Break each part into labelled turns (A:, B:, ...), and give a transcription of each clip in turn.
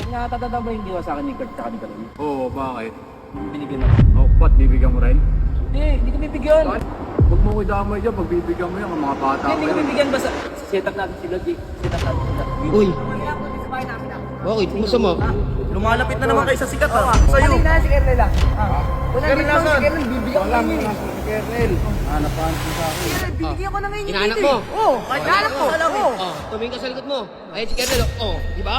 A: Nakatatanda mo yung ginawa sa akin ni Kurt tsaka ni Kalon?
B: Oo, bakit?
A: Binigyan ako.
B: Oh, ba't bibigyan mo rin?
A: Hindi ko bibigyan.
B: Bakit? Huwag mo ko damay dyan, pagbibigyan mo yan, ang mga bata
A: Hindi
B: pa
A: ko
B: yan.
A: bibigyan basta set up natin sila, G. Set up natin sila.
C: Uy, bakit? Masama?
D: Lumalapit na naman kayo sa sikat ha. Sa'yo.
E: Kunin na si Kernel ah. Kunin
D: Kernel,
E: dito si
D: nasaan?
E: Kernel, bibigyan ko lang yun.
B: Si Kernel. Hanapan ko sa akin.
E: Bibigyan ko na ngayon yung
C: Inaanak
E: dito
C: mo?
E: eh. Oo, inaanak ko. Oo.
C: Oh, tumingin ka sa likod mo. Ayun si Kernel. Oh, di ba?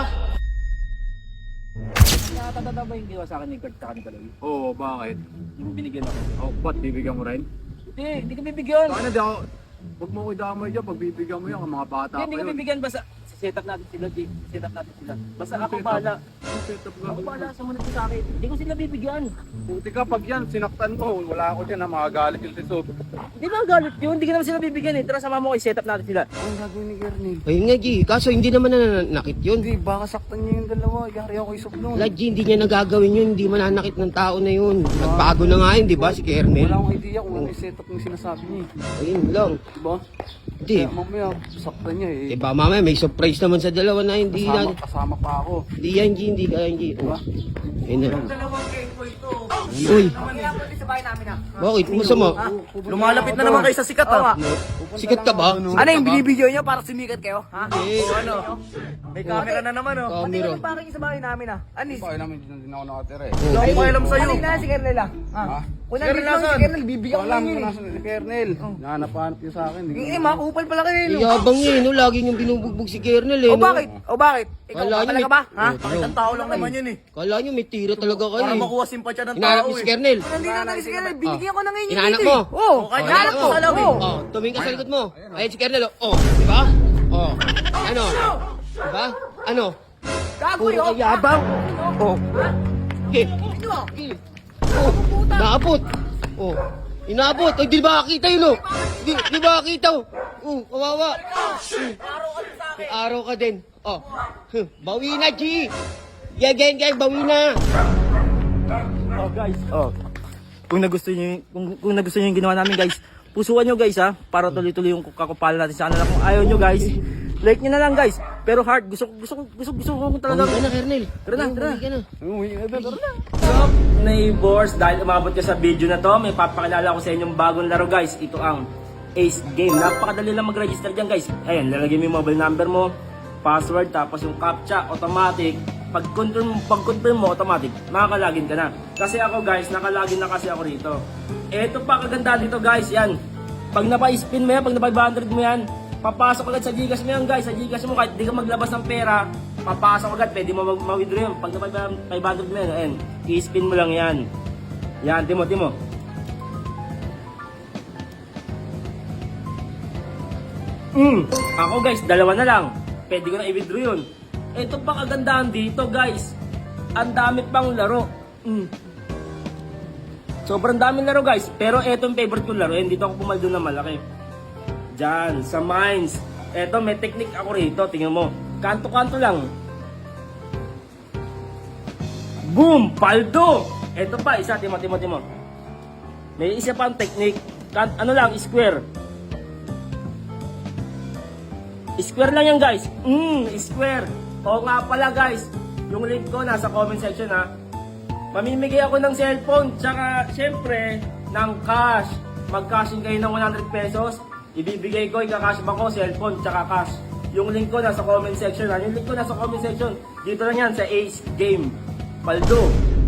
A: Nakatatanda mo yung ginawa sa akin ni Kurt tsaka ni Kalon?
B: Oo, bakit?
A: Yung binigyan ako.
B: Oh, ba't bibigyan mo rin?
A: Hindi ko bibigyan.
B: Bakit di ako... Huwag mo ko damay dyan, pagbibigyan mo yan, ang mga bata pa
A: Hindi ko
B: yun.
A: bibigyan basta set up natin sila, G. Set up natin sila. Basta ako bahala.
B: Set up
A: Ako
B: ka.
A: bahala, sumunod ko sa akin. Hindi ko sila bibigyan.
B: Buti ka, pag yan, sinaktan mo, wala ako dyan na makagalit yung tisob.
A: Hindi ba galit yun? Hindi ko naman sila bibigyan eh. Tara sama mo kay set up natin sila.
D: Ang gagawin ni Kernel?
C: Ayun nga, G. Kaso hindi naman nananakit yun.
D: Hindi, baka saktan niya yung dalawa. Yari ako isok nun.
C: Like, G, hindi niya nagagawin yun. Hindi mananakit ng tao na yun. Nagbago na nga yun, di ba, si Kernel?
D: Wala akong idea kung ano yung setup ng sinasabi niya eh.
C: Ayun lang.
D: Diba?
C: Hindi.
D: Kaya mamaya, saktan niya eh.
C: Diba, mamaya may surprise naman sa dalawa na hindi
D: Kasama,
C: na...
D: kasama pa ako.
C: Hindi yan, G. Hindi ka yan, G. Oh. Ayun na.
D: Dalawang keko ito.
C: Uy,
E: Kaya po sa bahay namin ah.
C: bakit? Masama?
D: Lumalapit na naman kayo sa sikat ha.
C: Sikat ka ba?
E: Ano yung binibideo nyo para sumikat kayo? Ha?
C: Eh,
D: Ano? May camera na naman oh.
E: Pati
C: camera.
E: yung parking sa bahay namin ah. Anis.
B: Bakit namin dyan din ako nakatira eh.
D: Wala akong alam sa'yo.
E: Kunin na si Kernel ah. Kunin
D: Kernel,
E: dito si
D: nasaan?
E: Kernel, bibigyan ko
B: Alam
E: lang
B: ko
E: yun
B: na
E: eh.
B: si Kernel. Nahanap-hanap yun sa akin.
E: Eh, makupal pala kayo no.
C: Yabang niya, no? Lagi niyong binubugbog si Kernel, eh,
E: O
C: no?
E: bakit? O bakit? Ikaw
C: Kala niyo
E: talaga
C: may-
E: ba? Ha?
D: Bakit ang tao lang naman yun eh.
C: Kala niyo may tira talaga kayo,
D: Para
C: eh.
D: makuha simpatya ng
C: Hinahanap
D: tao
C: niyo si
D: eh.
C: Kernel.
E: Nandito na si Kernel, bibigyan ko na ngayon yung
C: Inaanak
E: dito
C: mo?
E: eh. Oo,
D: kaya
E: inaanak ko.
D: inaanak mo.
E: Oo.
C: Oh, tumingin ka sa likod mo. Ayun si Kernel, oh. Di ba? Oh. Ano? Di ba? Ano?
E: Gago
C: Puro
E: yun.
C: ka yabang. Oh. Okay.
E: Ano?
C: Oh. Naabot. Oh. Inabot. Ay, di ba nakita yun, oh? Di ba nakita, oh? Oh, kawawa. May araw ka din. Oh. Bawi na, G. Gang, bawi na.
A: Oh guys, kung nagustuhan niyo yung ginawa namin guys, pusuan niyo guys ha, para tuloy-tuloy yung kakupalan natin sa kanila. Kung ayaw niyo guys, like niyo na lang guys. Pero heart, gusto ko talaga.
C: Bawi ka na, Kernel.
A: Tara na.
C: Bawi ka na.
A: What's up, neighbors? Dahil umabot ka sa video na to, may papakilala ko sa inyong bagong laro guys. Ito ang Ace Game. Napakadali lang mag-register dyan guys. Ayan, lalagyan mo yung mobile number mo, password, tapos yung CAPTCHA, automatic. Pag-confirm mo, automatic, makakalagin ka na. Kasi ako guys, nakalagin na kasi ako rito. Eto pa kaganda dito guys, yan. Pag napa-spin mo yan, pag napa-500 mo yan, papasok agad sa Gcash mo yan guys. Sa Gcash mo kahit di ka maglabas ng pera, papasok agad, pwede mo ma-withdraw yan. Pag napa-500 mo yan, ayan, i-spin mo lang yan. Yan, timo. Ako guys, dalawa na lang. Pwede ko na i-withdraw yun. Ito pa kagandahan dito guys. Ang dami pang laro. Sobrang daming laro guys. Pero eto yung favorite kong laro. Dito ako pumaldo na malaki. Diyan, sa mines. Eto, may technique ako rito. Tingnan mo. Kanto-kanto lang. Boom! Paldo! Eto pa, isa. Timo. May isa pang technique. Ano lang, square. Square lang yan guys. Square. Oo nga pala guys. Yung link ko nasa comment section ha. Mamimigay ako ng cellphone. Tsaka syempre ng cash. Mag-cashing kayo ng 100 pesos. Ibibigay ko, ika-cash ba ko, cellphone tsaka cash. Yung link ko nasa comment section ha. Yung link ko nasa comment section. Dito lang yan sa Ace Game. Paldo.